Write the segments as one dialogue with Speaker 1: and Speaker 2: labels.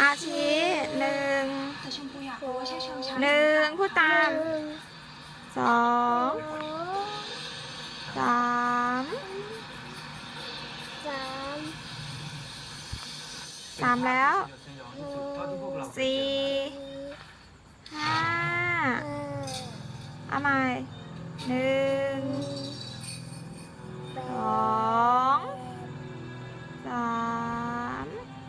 Speaker 1: อาชีหนึ่งหนึ่งพูดตามสองสามสามแล้วสี่ห้าเอาใหม่หนึ่งสองสาม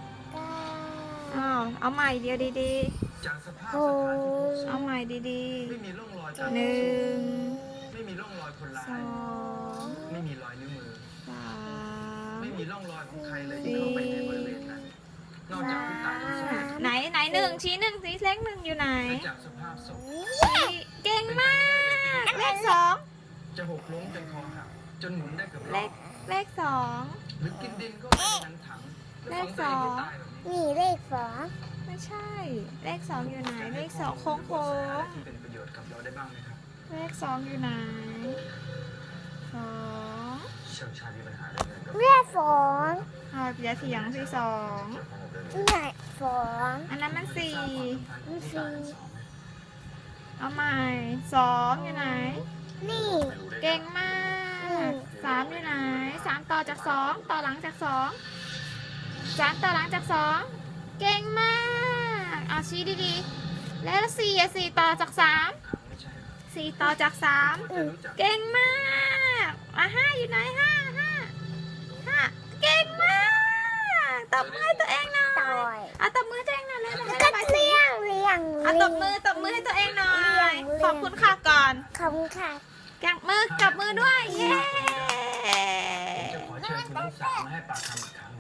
Speaker 1: เอาใหม่เดียวดี
Speaker 2: จากสภาพสถานที่พบศ
Speaker 1: ๆเอา
Speaker 2: พ
Speaker 1: ใหม่ดี
Speaker 2: ไม่มีร่องรอย
Speaker 1: ๆ
Speaker 2: การ
Speaker 1: หนึ่ง
Speaker 2: ไม่มีร่องรอยคนร้า
Speaker 1: ส
Speaker 2: ย
Speaker 1: อง
Speaker 2: ไม่มีรอยนิ้วมือ
Speaker 1: สาม
Speaker 2: ไม่มีร่องรอยของใครเลยที่เข้าไปในบริเวณนั้นนอกจากผู้ตายทั้งสอง
Speaker 1: ไหนหนึ่งชี้หนึ่งชี้เลขหนึ่งอยู่ไหน
Speaker 2: และจากสภาพศพ
Speaker 1: ชี้เก่งมากเลขสอง
Speaker 2: จะหกล้มจนคอหักจนหมุนได้เกือบร
Speaker 1: เล
Speaker 2: อ
Speaker 1: ข
Speaker 2: บ
Speaker 1: เลขสอง
Speaker 2: หรือกินดินก็ไม่ในถัง
Speaker 1: เลข
Speaker 2: ฝังตัวเอง
Speaker 1: สอง
Speaker 2: ให้ตายแบบนี้
Speaker 3: นี่เลขสอง
Speaker 1: ไม่ใช่ เลขสองอยู่ไหนเลขสองโค้ง
Speaker 2: ที่เป็นประโยชน์กับเราได้บ้างไหมครับ
Speaker 1: ๆเลขสองอยู่ไหนสอง
Speaker 2: เชิงชาญมีปัญหาเรื่องเงินกับ
Speaker 3: เลขสอง
Speaker 1: เอาอย่าเถียงที่สอง
Speaker 3: เลขสอง
Speaker 1: อันนั้นมันสี่
Speaker 2: สร้างความสัมพันธ์ของผู้ตายทั้งสอง
Speaker 1: เอาใหม่สองอยู่ไหน
Speaker 3: นี่
Speaker 1: เก่งมากสามอยู่ไหนสามต่อจากสองต่อหลังจากสองสามต่อหลังจากสองเก่งมากเอาชี้ดีๆแล้วสี่อะสี่ต่อจากสาม
Speaker 2: ไม่ใช่ครับ
Speaker 1: สี่ต่อจากสาม
Speaker 2: จะรู้จัก
Speaker 1: เก่งมากห้าอยู่ไหนห้าเก่งมากตบมือให้ตัวเองหน่อ
Speaker 3: ต่อย ย
Speaker 1: เอาตบมือให้ตัวเองหน่อยเลยให้
Speaker 3: ก็
Speaker 1: ระบายสี
Speaker 3: เลี้ยง
Speaker 1: เอาตบมือให้ตัวเองหน่อยขอบคุณค่ะก่อน
Speaker 3: ขอบคุณค่ะ
Speaker 1: จับมือด้วยเย้
Speaker 2: จะขอเชิญคุณทั้งสามมาให้ปากคำอีกครั้ง